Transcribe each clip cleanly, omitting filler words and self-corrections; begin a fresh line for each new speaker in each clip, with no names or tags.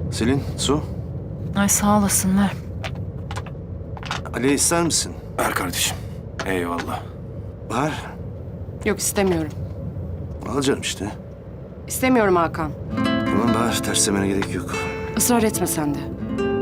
Selin, su.
Ay sağ olasın ver.
Ali ister misin?
Ver kardeşim. Eyvallah.
Var.
Yok istemiyorum.
Alacağım işte.
İstemiyorum Hakan.
Tamam Bahar, terslemene gerek yok.
Israr etme sen de.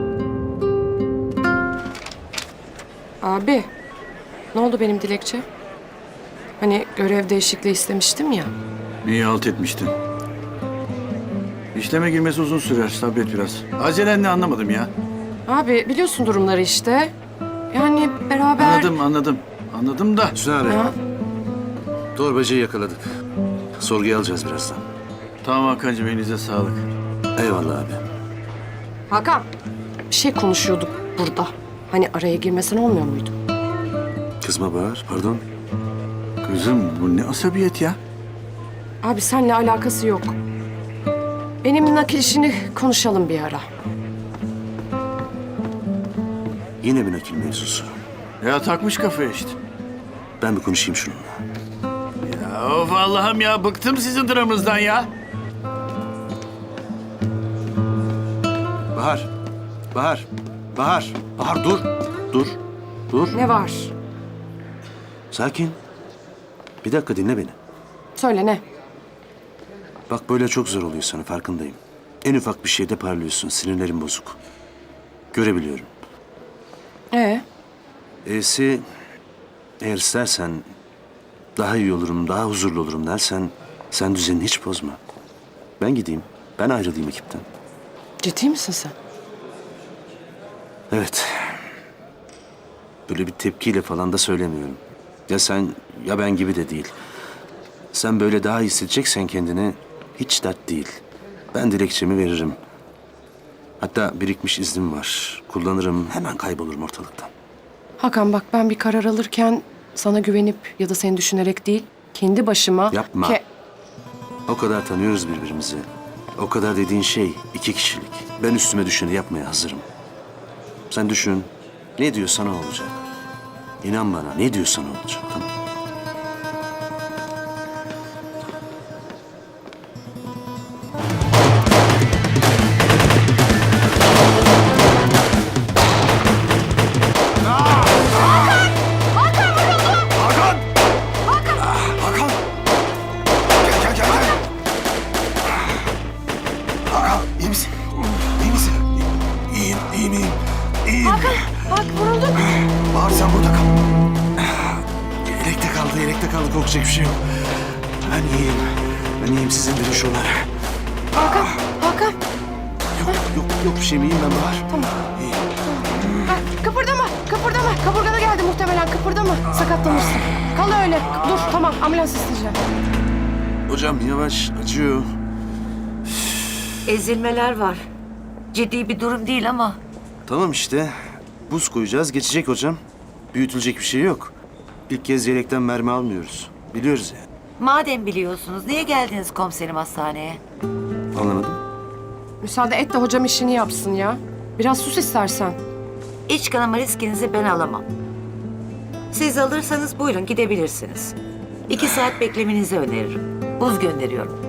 Abi, ne oldu benim dilekçe? Hani görev değişikliği istemiştim ya.
İyi halt etmiştin. İşleme girmesi uzun sürer. Sabret biraz. Acelen ne anlamadım ya.
Abi biliyorsun durumları işte. Yani beraber...
Anladım da.
Hüsnü abi,
Ha?
torbacıyı yakaladık. Sorguya alacağız birazdan.
Tamam Hakan'cığım, elinize sağlık.
Eyvallah abi.
Hakan, bir şey konuşuyorduk burada. Hani araya girmesen olmuyor muydu?
Kızma Bahar, pardon.
Kızım bu ne asabiyet ya?
Abi seninle alakası yok. Benim nakil işini konuşalım bir ara.
Yine bir nakil mevzusu.
Ya takmış kafaya işte.
Ben bir konuşayım şununla.
Ya of Allah'ım ya, bıktım sizin dramınızdan ya.
Bahar, Bahar, Bahar, Bahar dur. Dur.
Ne var?
Sakin. Bir dakika dinle beni.
Söyle ne?
Bak böyle çok zor oluyor sana, farkındayım. En ufak bir şeyde parlıyorsun, sinirlerin bozuk. Görebiliyorum. E'si, eğer istersen daha iyi olurum, daha huzurlu olurum dersen sen düzenini hiç bozma. Ben gideyim, ben ayrılayım ekipten.
Ciddi misin sen?
Evet. Böyle bir tepkiyle falan da söylemiyorum. Ya sen ya ben gibi de değil. Sen böyle daha iyi hissedeceksen kendini hiç dert değil. Ben dilekçemi veririm. Hatta birikmiş iznim var. Kullanırım, hemen kaybolurum ortalıktan.
Hakan bak ben bir karar alırken sana güvenip ya da seni düşünerek değil, kendi başıma...
Yapma. O kadar tanıyoruz birbirimizi. O kadar dediğin şey 2 kişilik. Ben üstüme düşeni yapmaya hazırım. Sen düşün. Ne diyorsan o olacak. İnan bana, ne diyorsan o olacak. Tamam.
Hakan! Gel. Hakan, iyi misin? İyi misin? İyiyim.
Hakan bak vuruldun.
Bahar sen burada kal.
Yelekte kaldı. Korkacak bir şey yok. Ben iyiyim. Siz indirin şunları.
Hakan.
Yok bir şeyim. İyiyim ben Bahar.
Tamam.
İyiyim.
Kıpırdama. Kaburgana geldi muhtemelen. Kıpırdama. Sakatlanırsın. Kal öyle. Dur tamam ambulans isteyeceğim.
Hocam yavaş, acıyor.
Ezilmeler var. Ciddi bir durum değil ama
Tamam işte. Buz koyacağız, geçecek hocam. Büyütülecek bir şey yok. İlk kez yelekten mermi almıyoruz. Biliyoruz yani.
madem biliyorsunuz niye geldiniz komiserim hastaneye?
Anlamadım.
Müsaade et de hocam işini yapsın ya. Biraz sus istersen.
İç kanama riskinizi ben alamam. Siz alırsanız buyurun gidebilirsiniz. 2 saat beklemenizi öneririm. Buz gönderiyorum.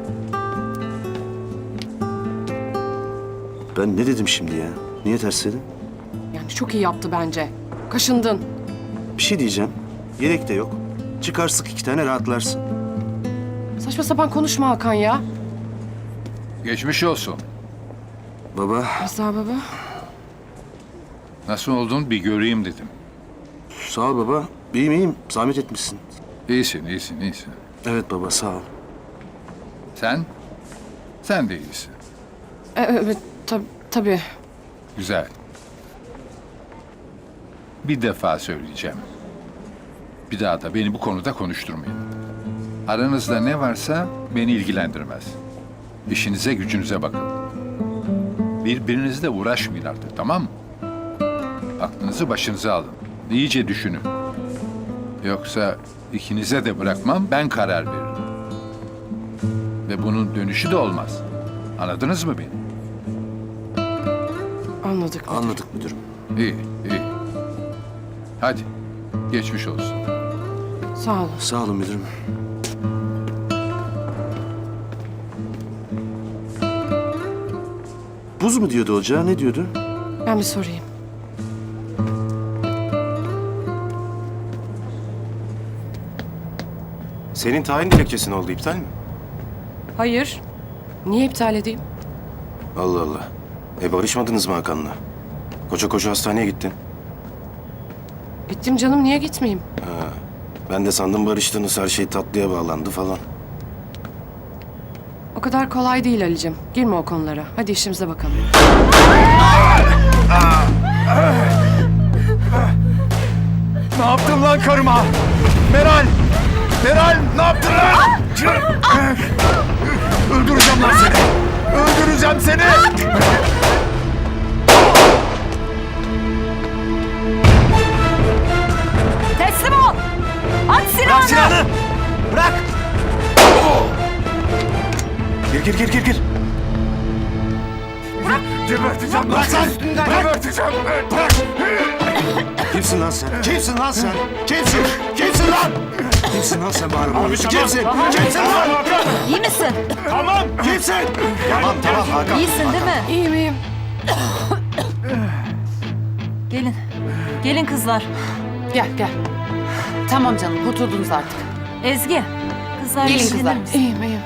Ben ne dedim şimdi ya? Niye tersledin?
Yani çok iyi yaptı bence. Kaşındın.
Bir şey diyeceğim. Yelek de yok. Çıkar sık 2 tane rahatlarsın.
Saçma sapan konuşma Hakan ya.
Geçmiş olsun.
Baba,
Rıza baba.
Nasıl oldun bir göreyim dedim.
sağ ol baba. İyiyim. Zahmet etmişsin.
İyisin.
Evet baba, sağ ol.
Sen? Sen de iyisin.
Evet tabii.
Güzel. Bir defa söyleyeceğim. Bir daha da beni bu konuda konuşturmayın. Aranızda ne varsa beni ilgilendirmez. İşinize gücünüze bakın. Birbirinizle uğraşmayın artık, tamam mı? Aklınızı başınıza alın. İyice düşünün. Yoksa ikinize de bırakmam, ben karar veririm. Ve bunun dönüşü de olmaz. Anladınız mı beni?
Anladık.
Anladık müdürüm.
İyi. Hadi, geçmiş olsun.
Sağ ol.
Sağ olun müdürüm. Buz mu diyordu ocağa, ne diyordu?
Ben bir sorayım.
Senin tayin dilekçesi ne oldu, iptal mi?
Hayır. Niye iptal edeyim?
Allah Allah. Barışmadınız mı Hakan'la? Koca koca hastaneye gittin.
Gittim canım, niye gitmeyeyim?
Ben de sandım barıştınız, her şey tatlıya bağlandı falan.
O kadar kolay değil Ali'cim. Girme o konulara. Hadi işimize bakalım.
Ne yaptın lan karıma? Meral! Meral ne yaptın lan? Öldüreceğim lan seni! Öldüreceğim seni!
Teslim ol! At
Bırak
silahını!
silahını! Bırak!
Gir.
Geberteceğim lan seni! Geberteceğim! Bırak!
Kimsin lan sen?
Kimsin lan sen? Kimsin? Kimsin lan?
Kimsin lan sen bana?
Kimsin? Kimsin lan?
İyi misin?
Tamam! Kimsin?
Tamam Hakan.
İyisin değil mi?
İyiyim, iyiyim.
Gelin. Gelin kızlar.
Gel. Tamam canım, kurtuldunuz artık.
Ezgi. Kızlar
Gelin
ilgilenir
kızlar.
misin?
İyiyim.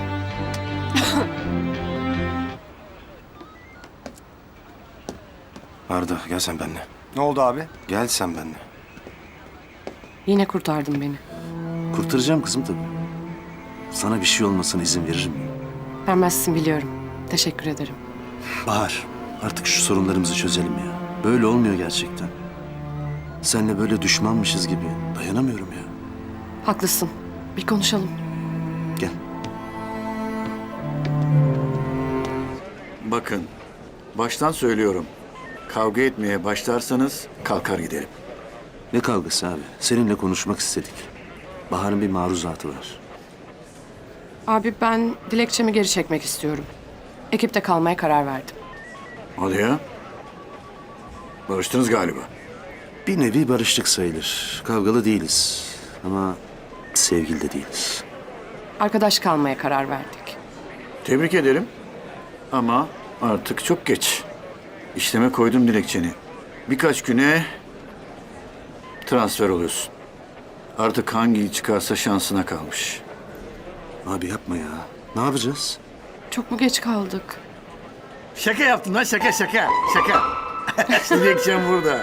Arda gel sen benimle.
Ne oldu abi?
Gel sen benimle.
Yine kurtardın beni.
Kurtaracağım kızım tabii. Sana bir şey olmasına izin veririm.
Vermezsin biliyorum. Teşekkür ederim.
Bahar, artık şu sorunlarımızı çözelim ya. Böyle olmuyor gerçekten. Seninle böyle düşmanmışız gibi dayanamıyorum ya.
Haklısın. Bir konuşalım.
Gel.
Bakın, baştan söylüyorum. Kavga etmeye başlarsanız kalkar giderim.
Ne kavgası abi? Seninle konuşmak istedik. Bahar'ın bir maruzatı var.
Abi ben dilekçemi geri çekmek istiyorum. Ekipte kalmaya karar verdim.
Hadi ya. Barıştınız galiba.
Bir nevi barıştık sayılır. Kavgalı değiliz. Ama sevgili de değiliz.
Arkadaş kalmaya karar verdik.
Tebrik ederim. Ama artık çok geç. İşleme koydum dilekçeni. Birkaç güne transfer oluyorsun. Artık hangi çıkarsa şansına kalmış.
Abi yapma ya. Ne yapacağız?
Çok mu geç kaldık?
Şaka yaptım lan, şaka. Dilekçem burada.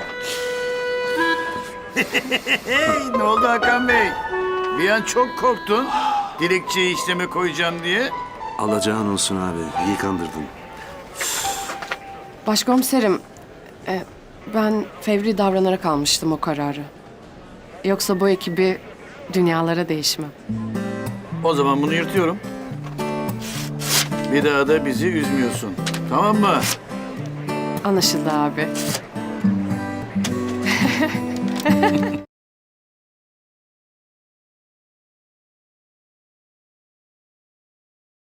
Ne oldu Hakan Bey? Bir an çok korktun. Dilekçeyi işleme koyacağım diye.
Alacağın olsun abi. İyi kandırdın.
Başkomiserim, ben fevri davranarak almıştım o kararı. Yoksa bu ekibi dünyalara değişmem.
O zaman bunu yırtıyorum. Bir daha da bizi üzmüyorsun. Tamam mı?
Anlaşıldı abi.